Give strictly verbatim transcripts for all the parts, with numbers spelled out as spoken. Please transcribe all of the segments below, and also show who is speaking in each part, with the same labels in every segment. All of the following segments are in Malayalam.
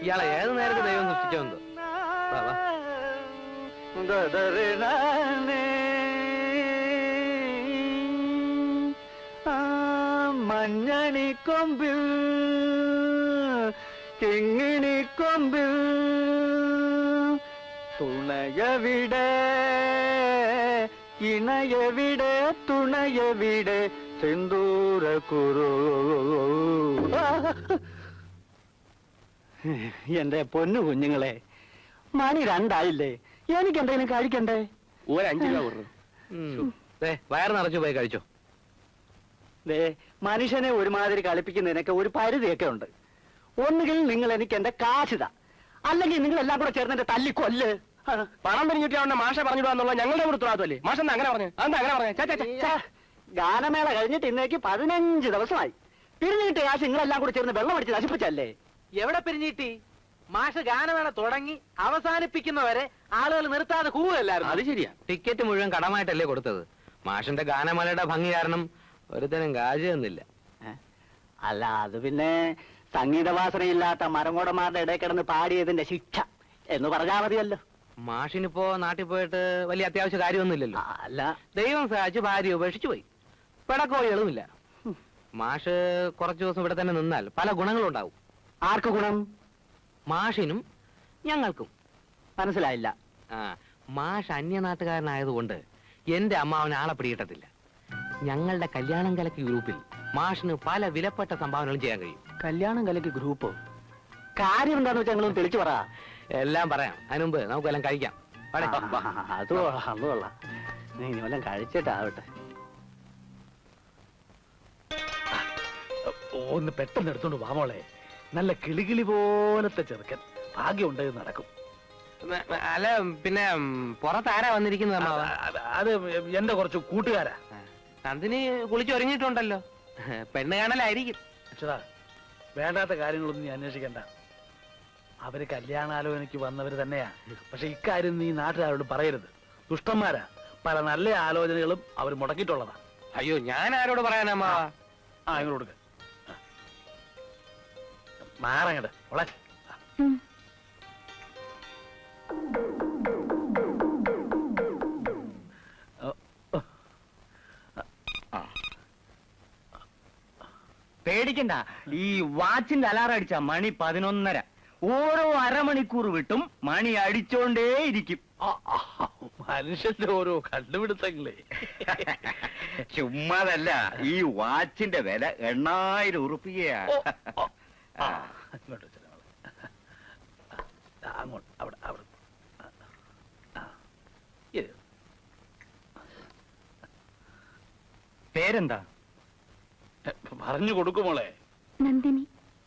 Speaker 1: ഇയാളെ ഏത് നേരത്തെ ദൈവം സൃഷ്ടിച്ചോന്തോ.
Speaker 2: മഞ്ഞണി കൊമ്പിൽ കിങ്ങിണി കൊമ്പിൽ തുണയവിടെ ഇണയവിടെ തുണയവിടെ സിന്ദൂര കുറു. എന്റെ പൊന്നു കുഞ്ഞുങ്ങളെ, മണി രണ്ടായില്ലേ, എനിക്ക് എന്തെങ്കിലും കഴിക്കണ്ടേ?
Speaker 1: ഒരഞ്ചു രൂപ കൊടുക്കും. വയറ് നിറച്ചു പോയി കഴിച്ചോ.
Speaker 2: ദേ, മനുഷ്യനെ ഒരുമാതിരി കളിപ്പിക്കുന്നതിനൊക്കെ ഒരു പരിധിയൊക്കെ ഉണ്ട്. ഒന്നുകിൽ നിങ്ങൾ എനിക്ക് എന്റെ കാശിത, അല്ലെങ്കിൽ നിങ്ങൾ എല്ലാം കൂടെ ചേർന്ന് എന്റെ തല്ലിക്കൊല്ല്.
Speaker 1: പണം പിരിഞ്ഞിട്ടാണ് മാഷ പറഞ്ഞിടുവാന്നുള്ള ഞങ്ങളുടെ ഉത്തരവാദിത്തമല്ലേ? മാഷ അങ്ങനെ പറഞ്ഞു. അതെന്താ അങ്ങനെ പറഞ്ഞു?
Speaker 2: ഗാനമേള കഴിഞ്ഞിട്ട് ഇന്നേക്ക് പതിനഞ്ച് ദിവസമായി. പിരിഞ്ഞിട്ട് കാശ് നിങ്ങളെല്ലാം കൂടെ ചേർന്ന് വെള്ളം അടിച്ച് നശിപ്പിച്ചല്ലേ?
Speaker 3: എവിടെ പിരിഞ്ഞിട്ടി? മാഷ് ഗാനമേള തുടങ്ങി അവസാനിപ്പിക്കുന്നവരെ ആളുകൾ നിർത്താതെ കൂവല്ലായിരുന്നു.
Speaker 1: അത് ശരിയാ. ടിക്കറ്റ് മുഴുവൻ കടമായിട്ടല്ലേ കൊടുത്തത്. മാഷിന്റെ ഗാനമേളയുടെ ഭംഗി കാരണം ഒരുത്തനും കാശ് തന്നില്ല.
Speaker 2: അല്ല, അത് പിന്നെ സംഗീതവാസനയില്ലാത്ത മരങ്ങോടന്മാരുടെ ഇടയിൽ കിടന്ന് പാടിയതിന്റെ ശിക്ഷ എന്ന് പറഞ്ഞാൽ മതിയല്ലോ.
Speaker 1: മാഷിനിപ്പോ നാട്ടിൽ പോയിട്ട് വലിയ അത്യാവശ്യ കാര്യമൊന്നുമില്ലല്ലോ.
Speaker 2: അല്ല,
Speaker 1: ദൈവം സഹായിച്ച് ഭാര്യ ഉപേക്ഷിച്ചു പോയി. പിടക്കോഴികളുമില്ല. മാഷ് കുറച്ചു ദിവസം ഇവിടെ തന്നെ നിന്നാൽ പല ഗുണങ്ങളും ഉണ്ടാവും.
Speaker 2: ആർക്ക് ഗുണം?
Speaker 1: മാഷിനും ഞങ്ങൾക്കും.
Speaker 2: മനസ്സിലായില്ല.
Speaker 1: ആ, മാഷ് അന്യനാട്ടുകാരനായതുകൊണ്ട് എന്റെ അമ്മാവന് ആളെ പിടികിട്ടത്തില്ല. ഞങ്ങളുടെ കല്യാണം കലക്കി ഗ്രൂപ്പിൽ മാഷിന് പല വിലപ്പെട്ട സംഭാവനകളും ചെയ്യാൻ കഴിയും.
Speaker 2: കല്യാണം കലക്കി ഗ്രൂപ്പ് കാര്യം എന്താന്ന് വെച്ചാൽ ഞങ്ങളൊന്ന് തെളിച്ചു പറ.
Speaker 1: എല്ലാം പറയാം. അതിനുമുമ്പ് നമുക്കെല്ലാം കഴിക്കാം.
Speaker 2: അത് കൊള്ളാം, അത് കൊള്ളാം. നീ വല്ലതും കഴിച്ചിട്ടാവട്ടെ.
Speaker 4: ഒന്ന് പെട്ടെന്ന് എടുത്തോണ്ട് വാമോളെ. നല്ല കിളികിളി പോലത്തെ ചെറുക്കൻ. ഭാഗ്യമുണ്ട് നടക്കും.
Speaker 1: അല്ല, പിന്നെ പുറത്താരാ വന്നിരിക്കുന്നത്?
Speaker 4: അത് എന്റെ കുറച്ച് കൂട്ടുകാരാ.
Speaker 1: നന്ദിനി കുളിച്ചൊരുങ്ങിയിട്ടുണ്ടല്ലോ. പെണ്ണ് കാണലായിരിക്കും.
Speaker 4: അച്ഛതാ, വേണ്ടാത്ത കാര്യങ്ങളൊന്നും നീ അന്വേഷിക്കണ്ട. അവര് കല്യാണാലോചനയ്ക്ക് വന്നവര് തന്നെയാ. പക്ഷെ ഇക്കാര്യം നീ നാട്ടുകാരോട് പറയരുത്. ദുഷ്ടന്മാരാ. പല നല്ല ആലോചനകളും അവർ മുടക്കിയിട്ടുള്ളതാ.
Speaker 1: അയ്യോ, ഞാൻ ആരോട് പറയാനമ്മാ?
Speaker 4: ആ, ഇങ്ങോട്ട് കൊടുക്ക. മാറങ്ങട് ഓളെ.
Speaker 2: പേടിക്കണ്ട. ഈ വാച്ചിന്റെ അലാറം അടിച്ച മണി പതിനൊന്നര. ഓരോ അരമണിക്കൂർ വിട്ടും മണി അടിച്ചോണ്ടേയിരിക്കും.
Speaker 4: മനുഷ്യന്റെ ഓരോ കണ്ടുപിടുത്തങ്ങളെ.
Speaker 5: ചുമ്മാതല്ല, ഈ വാച്ചിന്റെ വില എണ്ണായിരം ഉറുപ്പികയാണ്.
Speaker 4: അങ്ങോട്ട് അവിടെ അവിടെ
Speaker 2: പേരെന്താ?
Speaker 4: പറഞ്ഞു കൊടുക്കുമോളെ.
Speaker 6: നന്ദിനി.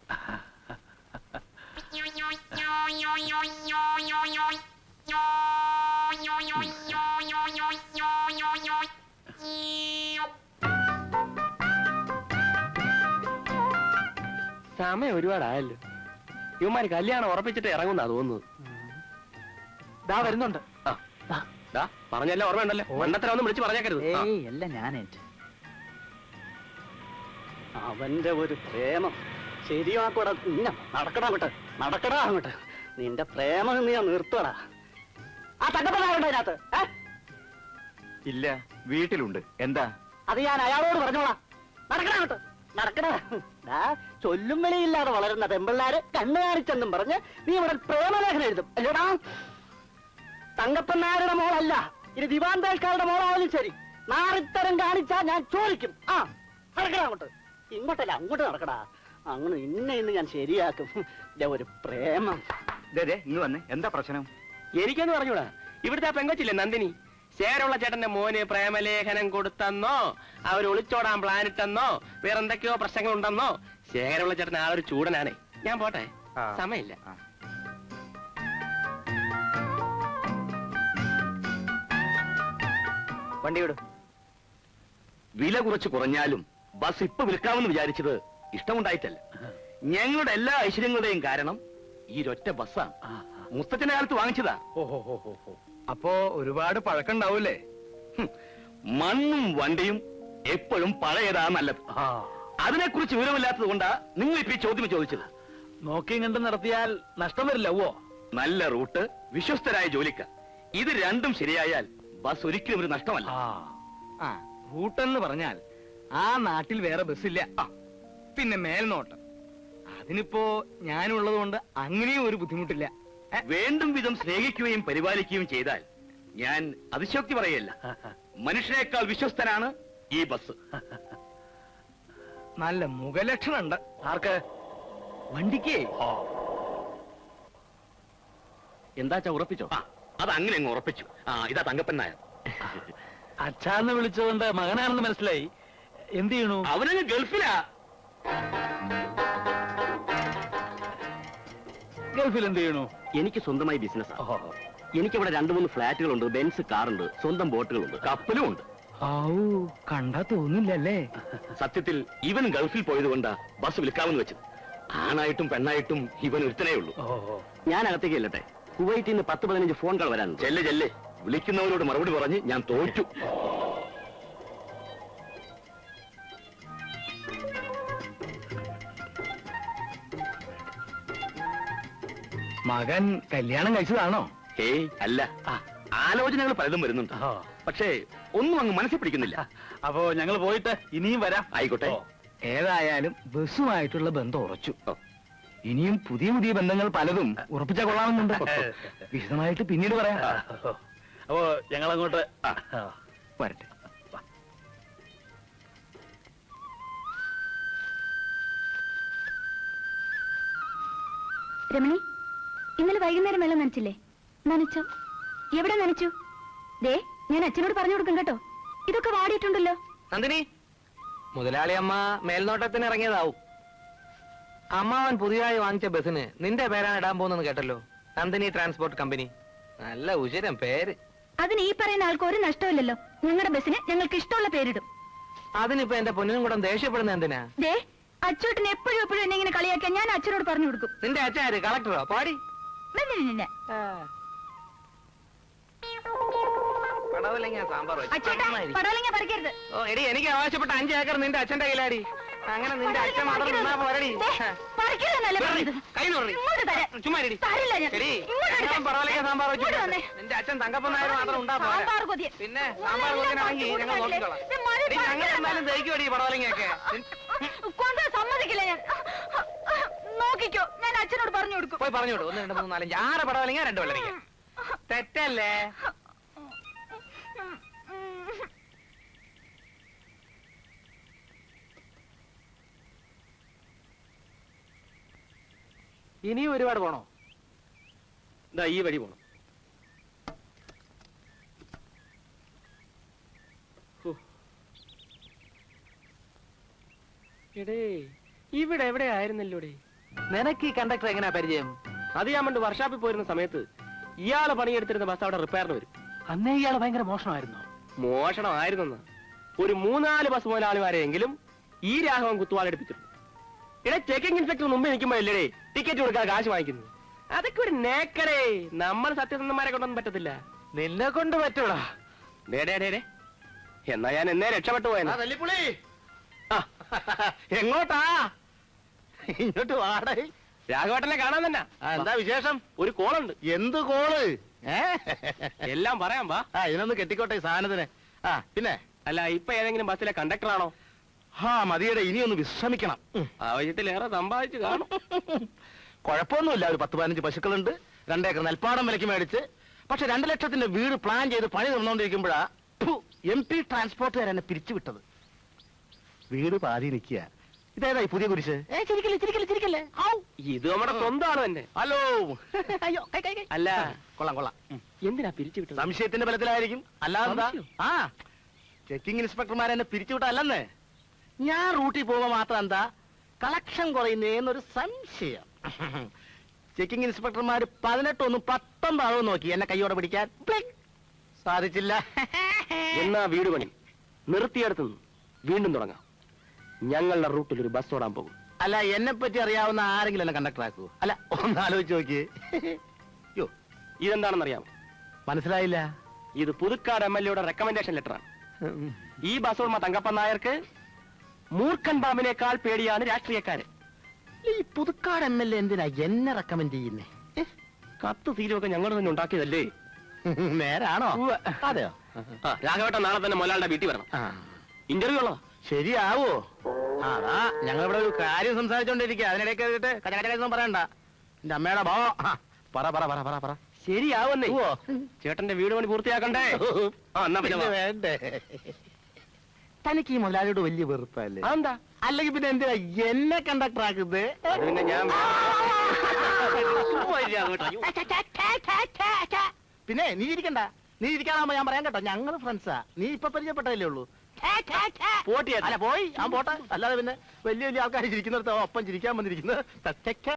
Speaker 1: സമയം ഒരുപാടായല്ലോ. ഇവന്മാര് കല്യാണം ഉറപ്പിച്ചിട്ട് ഇറങ്ങുന്നാ തോന്നുന്നത്.
Speaker 2: ദാ വരുന്നുണ്ട്.
Speaker 1: പറഞ്ഞല്ല ഓർമ്മയുണ്ടല്ലോ. മണ്ണത്തരം ഒന്നും വിളിച്ച് പറഞ്ഞേക്കരുത്.
Speaker 2: അല്ല, ഞാനേറ്റ് അവന്റെ ഒരു പ്രേമം ശരിയാക്കൂടാ. നടക്കടാ അങ്ങോട്ട്, നടക്കടാ അങ്ങോട്ട്. നിന്റെ പ്രേമം നീ നിർത്തടാ. ആ തങ്കപ്പനാരുണ്ട് അതിനകത്ത്?
Speaker 5: ഇല്ല, വീട്ടിലുണ്ട്. എന്താ?
Speaker 2: അത് ഞാൻ അയാളോട് പറഞ്ഞോളാം. നടക്കടാ അങ്ങോട്ട്, നടക്കടാ. ചൊല്ലും വിളിയില്ലാതെ വളരുന്ന പെമ്പിള്ളാര് കണ്ണു കാണിച്ചെന്നും പറഞ്ഞ് നീ ഇവിടെ പ്രേമലേഖനം എഴുതും അല്ലേടാ? തങ്കപ്പനാരുടെ മോളല്ല, ഇനി ദിവാന്തേൽക്കാരുടെ മോളായാലും ശരി. നാറിത്തരം കാണിച്ചാ ഞാൻ ചോദിക്കും. ആ, നടക്കടാ അങ്ങോട്ട്. ഇങ്ങോട്ടല്ല, അങ്ങോട്ട് നടക്കടാ. അങ്ങനെ ഇന്ന ഇന്ന് ഞാൻ ശരിയാക്കും. ഒരു പ്രേമം.
Speaker 5: ഇന്ന് വന്നേ, എന്താ പ്രശ്നം?
Speaker 1: എനിക്കൊന്ന് പറഞ്ഞൂടാ. ഇവിടുത്തെ പെങ്കൊച്ചില്ലേ നന്ദിനി, ശേരമുള്ള ചേട്ടന്റെ മോന് പ്രേമലേഖനം കൊടുത്തെന്നോ അവർ ഒളിച്ചോടാൻ പ്ലാൻ ഇട്ടെന്നോ വേറെന്തൊക്കെയോ പ്രശ്നങ്ങൾ ഉണ്ടെന്നോ. ശേഖരമുള്ള ചേട്ടൻ ആ ഒരു ചൂടനാണേ. ഞാൻ പോട്ടെ, സമയമില്ല.
Speaker 2: വണ്ടി വിടും.
Speaker 5: വില കുറച്ച് കുറഞ്ഞാലും ബസ് ഇപ്പൊ വിൽക്കാമെന്ന് വിചാരിച്ചത് ഇഷ്ടമുണ്ടായിട്ടല്ല. ഞങ്ങളുടെ എല്ലാ ഐശ്വര്യങ്ങളുടെയും കാരണം ഈ ഒറ്റ ബസ്സാണ്. മുസ്തത്തിന്റെ കാലത്ത് വാങ്ങിച്ചതാ.
Speaker 4: അപ്പോ ഒരുപാട് പഴക്കണ്ടാവൂലേ?
Speaker 5: മണ്ണും വണ്ടിയും എപ്പോഴും പഴയതാ നല്ലത്. അതിനെക്കുറിച്ച് വിവരമില്ലാത്തത് കൊണ്ടാ നിങ്ങൾ ഇപ്പൊ ഈ ചോദ്യം ചോദിച്ചത്.
Speaker 4: നോക്കിയും കണ്ടും നടത്തിയാൽ നഷ്ടം വരില്ല ഓ.
Speaker 5: നല്ല റൂട്ട്, വിശ്വസ്തരായ ജോലിക്കാർ, ഇത് രണ്ടും ശരിയായാൽ ബസ് ഒരിക്കലും ഒരു നഷ്ടമല്ല.
Speaker 3: ആ റൂട്ടെന്ന് പറഞ്ഞാൽ ആ നാട്ടിൽ വേറെ ബസ്സില്ല. ആ, പിന്നെ മേൽനോട്ടം, അതിനിപ്പോ ഞാനുള്ളത് കൊണ്ട് അങ്ങനെയും ഒരു ബുദ്ധിമുട്ടില്ല.
Speaker 5: വേണ്ടും വിധം സ്നേഹിക്കുകയും പരിപാലിക്കുകയും ചെയ്താൽ ഞാൻ അതിശോക്തി പറയല്ല, മനുഷ്യനേക്കാൾ വിശ്വസ്തനാണ് ഈ ബസ്.
Speaker 3: നല്ല മുഖലക്ഷണുണ്ട്.
Speaker 4: ആർക്ക്?
Speaker 3: വണ്ടിക്ക്.
Speaker 5: എന്താച്ചാ ഉറപ്പിച്ചോ? ആ, അത് അങ്ങനെ അങ്ങ് ഉറപ്പിച്ചു. ആ, ഇതാ തങ്കപ്പൻ നായർ.
Speaker 4: അച്ഛാന്ന് വിളിച്ചുകൊണ്ട് മകനാണെന്ന് മനസ്സിലായി. എന്ത് ചെയ്യണു?
Speaker 5: അവനങ്ങ് ഗൾഫിലാ.
Speaker 4: ഗൾഫിൽ എന്ത് ചെയ്യണു?
Speaker 5: എനിക്ക് സ്വന്തമായി ബിസിനസ്.
Speaker 4: ഓഹോ.
Speaker 5: എനിക്കിവിടെ രണ്ടു മൂന്ന് ഫ്ലാറ്റുകളുണ്ട്, ബെൻസ് കാറുണ്ട്, സ്വന്തം ബോട്ടുകളുണ്ട്, കപ്പലും ഉണ്ട്.
Speaker 3: കണ്ടാ തോന്നില്ലല്ലേ?
Speaker 5: സത്യത്തിൽ ഇവൻ ഗൾഫിൽ പോയതുകൊണ്ടാ ബസ് വിൽക്കാമെന്ന് വെച്ചത്. ആണായിട്ടും പെണ്ണായിട്ടും ഇവൻ ഒരുത്തനേ ഉള്ളൂ.
Speaker 4: ഓഹോ.
Speaker 5: ഞാൻ അകത്തേക്ക് ചെല്ലട്ടെ. കുവൈറ്റിൽ നിന്ന് പത്ത് പതിനഞ്ച് ഫോൺ കോൾ വരാൻ. ചെല്ലെ ചെല്ലെ, വിളിക്കുന്നവരോട് മറുപടി പറഞ്ഞ് ഞാൻ തോറ്റു.
Speaker 3: മകൻ കല്യാണം കഴിച്ചതാണോ?
Speaker 5: ഏയ് അല്ല, ആലോചനകൾ പലതും വരുന്നുണ്ട്.
Speaker 4: ഓ.
Speaker 5: പക്ഷേ ഒന്നും അങ്ങ് മനസ്സിൽ പിടിക്കുന്നില്ല.
Speaker 4: അപ്പോ ഞങ്ങൾ പോയിട്ട് ഇനിയും വരാം.
Speaker 5: ആയിക്കോട്ടെ.
Speaker 4: ഓ.
Speaker 3: ഏതായാലും ബസ്സുമായിട്ടുള്ള ബന്ധം ഉറച്ചു. ഇനിയും പുതിയ പുതിയ ബന്ധങ്ങൾ പലതും ഉറപ്പിച്ചാൽ കൊള്ളാമെന്നുണ്ട്. വിശദമായിട്ട് പിന്നീട് പറയാം.
Speaker 4: അപ്പോ ഞങ്ങൾ അങ്ങോട്ട്
Speaker 3: വരട്ടെ.
Speaker 6: രമണി, ഇന്നലെ വൈകുന്നേരം വെള്ളം നനച്ചില്ലേ? നനച്ചോ? എവിടെ നനച്ചു? ദേ, ഞാൻ അച്ഛനോട് പറഞ്ഞു കൊടുക്കും കേട്ടോ. ഇതൊക്കെ വാടിയിട്ടുണ്ടല്ലോ.
Speaker 3: നന്ദിനി, മുതലാളി അമ്മ മേൽനോട്ടത്തിന് ഇറങ്ങിയതാവും. അമ്മാവൻ പുതിയതായി വാങ്ങിച്ച ബസ്സിന് നിന്റെ പേരാണ് ഇടാൻ പോകുന്നെന്ന് കേട്ടല്ലോ. Nandini transport company. നല്ല ഉചിരം പേര്.
Speaker 6: അതിന് ഈ പറയുന്ന ആൾക്ക് ഒരു നഷ്ടമില്ലല്ലോ. ഞങ്ങളുടെ ബസ്സിന് ഞങ്ങൾക്ക് ഇഷ്ടമുള്ള പേരിടും.
Speaker 3: അതിനിപ്പോ എന്റെ പൊന്നിനും കൂടെ ദേഷ്യപ്പെടുന്ന എന്തിനാ?
Speaker 6: ദേ, അച്ചോട്ടിന് എപ്പോഴും എപ്പോഴും എന്നെ ഇങ്ങനെ കളിയാക്കിയാൽ ഞാൻ അച്ഛനോട് പറഞ്ഞു കൊടുക്കും.
Speaker 3: നിന്റെ അച്ഛൻ ആര്? കളക്ടറോ? പാടി.
Speaker 6: നിന്നെ, നിന്നെ.
Speaker 3: പടവലങ്ങ സാമ്പാർ വെച്ച്
Speaker 6: അച്ചോട്ടാ,
Speaker 3: നന്നായിരിക്കും.
Speaker 6: പടവലങ്ങ പറിക്കരുത്.
Speaker 3: ഓ എടി, എനിക്ക് ആവശ്യപ്പെട്ട അഞ്ച് ഏക്കർ നിന്റെ അച്ഛന്റെ കയ്യിലാടി. അങ്ങനെ നിന്റെ അച്ഛൻ മാത്രം നിന്നാ പോരടി.
Speaker 6: ദേ, പറിക്കരുതെന്നല്ലേ പറഞ്ഞത്?
Speaker 3: കൈ നോറി.
Speaker 6: ഇങ്ങോട്ട് തരാം.
Speaker 3: ചുമ്മാ ഇരി.
Speaker 6: തരില്ല ഞാൻ.
Speaker 3: എടി,
Speaker 6: ഇങ്ങോട്ട് എടുക്കാം.
Speaker 3: ഞാൻ പടവലങ്ങ സാമ്പാർ വെച്ച്
Speaker 6: ഇങ്ങോട്ട് വന്നേ.
Speaker 3: നിന്റെ അച്ഛൻ തങ്കപ്പൻ നായർ മാത്രം ഉണ്ടാ പോരാ.
Speaker 6: സാമ്പാർ കൊതിയൻ.
Speaker 3: പിന്നെ സാമ്പാർ കൊതിനാണെങ്കിൽ ഞങ്ങൾ നോക്കിക്കോളാം.
Speaker 6: ദേ, മതി,
Speaker 3: എടി, ഞങ്ങൾ
Speaker 6: പറിക്കരുത്.
Speaker 3: എന്തായാലും ദഹിക്കുമടി പടവലങ്ങയൊക്കെ.
Speaker 6: കൊണ്ട് സമ്മതിക്കില്ല ഞാൻ. നോക്കിക്കോ, ഞാൻ അച്ഛനോട് പറഞ്ഞു കൊടുക്കും.
Speaker 3: പോയി പറഞ്ഞു വിടും. ഒന്ന് രണ്ട് മൂന്ന് നാലഞ്ച് ആറ് പടവലങ്ങ, രണ്ട് വെള്ളരിക്ക. തെറ്റല്ലേ? ഇനിയും ഒരുപാട് പോണോ?
Speaker 1: ഇതാ ഈ വഴി പോണം. എടേ, ഇവിടെ എവിടെ ആയിരുന്നല്ലോടേ?
Speaker 3: നിനക്ക് ഈ കണ്ടക്ടർ എങ്ങനെയാ പരിചയം?
Speaker 1: അത് ഞാൻ പണ്ട് വർഷാപ്പിൽ പോയിരുന്ന സമയത്ത് ഇയാള് പണിയെടുത്തിരുന്ന ബസ് അവിടെ റിപ്പയറിന് വരും.
Speaker 3: അന്നേ ഇയാള് ഭയങ്കര മോഷണമായിരുന്നു.
Speaker 1: മോഷണമായിരുന്നെന്ന് ഒരു മൂന്നാല് ബസ് മുതലാളിമാരെയെങ്കിലും ഈ രാഘവൻ കുത്തുവാളെടുപ്പിച്ചിട്ടുണ്ട്. ഇവിടെ ചെക്കിംഗ് ഇൻസ്പെക്ടർ മുമ്പ് നിൽക്കുമ്പോഴല്ലേ ടിക്കറ്റ് കൊടുക്കാൻ കാശ് വാങ്ങിക്കുന്നു. അതൊക്കെ ഒരു നേക്കടേ. നമ്മൾ സത്യസന്ധന്മാരെ കൊണ്ടൊന്നും പറ്റത്തില്ല.
Speaker 3: നിന്നെ കൊണ്ട് പറ്റൂടാ.
Speaker 1: ഡേ ഡേ ഡേ ഡേ, എന്നാ ഞാൻ എന്നേ രക്ഷപ്പെട്ടു പോയെന്ന്.
Speaker 3: തല്ലിപ്പുളി
Speaker 1: ആ,
Speaker 3: എങ്ങോട്ടാ? ഇങ്ങോട്ട് വാടേ.
Speaker 1: രാഘവേട്ടനെ കാണാൻ തന്നെ.
Speaker 3: എന്താ വിശേഷം?
Speaker 1: ഒരു കോളുണ്ട്.
Speaker 3: എന്ത് കോള്?
Speaker 1: എല്ലാം പറയാം വാ.
Speaker 3: ആ ഇതിനൊന്ന് കെട്ടിക്കോട്ടെ ഈ സാധനത്തിന്. ആ പിന്നെ
Speaker 1: അല്ല, ഇപ്പൊ ഏതെങ്കിലും ബസ്സിലെ കണ്ടക്ടറാണോ?
Speaker 3: ആ മതിയുടെ, ഇനിയൊന്ന് വിശ്രമിക്കണം.
Speaker 1: ആവശ്യത്തിലേറെ സമ്പാദിച്ചു കാണും.
Speaker 3: കുഴപ്പമൊന്നുമില്ല. ഒരു പത്ത് പതിനഞ്ച് പശുക്കളുണ്ട്, രണ്ടേക്കർ നെൽപ്പാടം വിലക്ക് മേടിച്ച്. പക്ഷെ രണ്ടു ലക്ഷത്തിന്റെ വീട് പ്ലാൻ ചെയ്ത് പണി നടന്നുകൊണ്ടിരിക്കുമ്പോഴാ എം പി ട്രാൻസ്പോർട്ടുകാർ എന്നെ പിരിച്ചുവിട്ടത്. വീട് പാതി നിൽക്കുക. ഇതേതായി പുതിയ കുരിശ്?
Speaker 1: ഇത് നമ്മുടെ സ്വന്തമാണ് തന്നെ.
Speaker 3: ഹലോ.
Speaker 6: അയ്യോ, കൈ, കൈ, കൈ.
Speaker 1: അല്ല,
Speaker 3: കൊള്ളാം കൊള്ളാം.
Speaker 1: എന്തിനാ പിരിച്ചു വിട്ടത്?
Speaker 3: സംശയത്തിന്റെ ബലത്തിലായിരിക്കും. അല്ലാതെന്താ?
Speaker 1: സംശയം?
Speaker 3: ആ ചെക്കിംഗ് ഇൻസ്പെക്ടർമാർ എന്നെ പിരിച്ചുവിട്ടല്ലെന്ന്. ഞാൻ റൂട്ടിൽ പോകുമ്പോ മാത്രം എന്താ കളക്ഷൻ കുറയുന്നേന്നൊരു സംശയം. ചെക്കിംഗ് ഇൻസ്പെക്ടർമാർ പതിനെട്ടൊന്നും പത്തൊമ്പതാവും നോക്കി എന്നെ കൈയോടെ പിടിക്കാൻ. പ്ലിക്. സാധിച്ചില്ല.
Speaker 1: എന്നാ വീട് പണി നിർത്തിയെടുത്തു വീണ്ടും തുടങ്ങാം. ഞങ്ങളുടെ റൂട്ടിൽ ഒരു ബസ് ഓടാൻ പോകും.
Speaker 3: അല്ല, എന്നെ പറ്റി അറിയാവുന്ന ആരെങ്കിലും എന്നെ കണ്ടക്ടർ ആക്കൂ. അല്ല, ഒന്ന് ആലോചിച്ച് നോക്കിയേ. യോ,
Speaker 1: ഇതെന്താണെന്നറിയാമോ?
Speaker 3: മനസ്സിലായില്ല.
Speaker 1: ഇത് പുതുക്കാട് എം എൽ എയുടെ റെക്കമെൻഡേഷൻ ലെറ്ററാണ്. ഈ ബസ് ഉടമ തങ്കപ്പൻ നായർക്ക് മൂർഖൻ പാമ്പിനേക്കാൾ പേടിയാണ് രാഷ്ട്രീയക്കാര്.
Speaker 3: ഈ പുതുക്കാട് എം എൽ എ എന്തിനാ എന്നെ റെക്കമെൻഡ് ചെയ്യുന്നേ?
Speaker 1: കത്ത് തീരുമൊക്കെ ഞങ്ങൾ തന്നെ ഉണ്ടാക്കിയതല്ലേ?
Speaker 3: നേരാണോ? അതെയോ?
Speaker 1: ആ രാഘവേട്ടൻ നാളെ തന്നെ മൊലാളുടെ വീട്ടിൽ വരണം. ഇന്റർവ്യൂ ഉള്ളതാ.
Speaker 3: ശരിയാവോ? അതാ ഞങ്ങൾ ഇവിടെ ഒരു കാര്യം സംസാരിച്ചോണ്ടിരിക്കുക, അതിനിടയ്ക്ക് കേട്ട് കച്ചകച്ചൊന്നും പറയണ്ട. എന്റെ അമ്മയുടെ ഭാവ പറ പറ പറ പറ പറ
Speaker 1: ശരിയാവുന്നേ. ചേട്ടന്റെ വീട് പണി പൂർത്തിയാക്കണ്ടേ? ആ എന്നാ പിന്നെ വാ.
Speaker 3: വേണ്ടേ? തനിക്ക് ഈ മുതലാളിയോട് വലിയ വെറുപ്പല്ലേ?
Speaker 1: അതെന്താ?
Speaker 3: അല്ലെങ്കിൽ പിന്നെ എന്തിനാ എന്നെ കണ്ടക്ടർ ആക്കുന്നത്?
Speaker 1: അത് പിന്നെ ഞാൻ
Speaker 3: പിന്നെ നീ ഇരിക്കണ്ട, നീ ഇരിക്കാതാകുമ്പോ ഞാൻ പറയാൻ കേട്ടോ, ഞങ്ങള് ഫ്രണ്ട്സാ. നീ ഇപ്പൊ പരിചയപ്പെട്ടതല്ലേ ഉള്ളൂ.
Speaker 1: പോട്ടിയാ
Speaker 3: അല്ല പോയി ഞാൻ പോട്ടെ, അല്ലാതെ പിന്നെ വലിയ വലിയ ആൾക്കാർ ചിരിക്കുന്നിടത്ത് ഒപ്പം ചിരിക്കാൻ വന്നിരിക്കുന്നത്.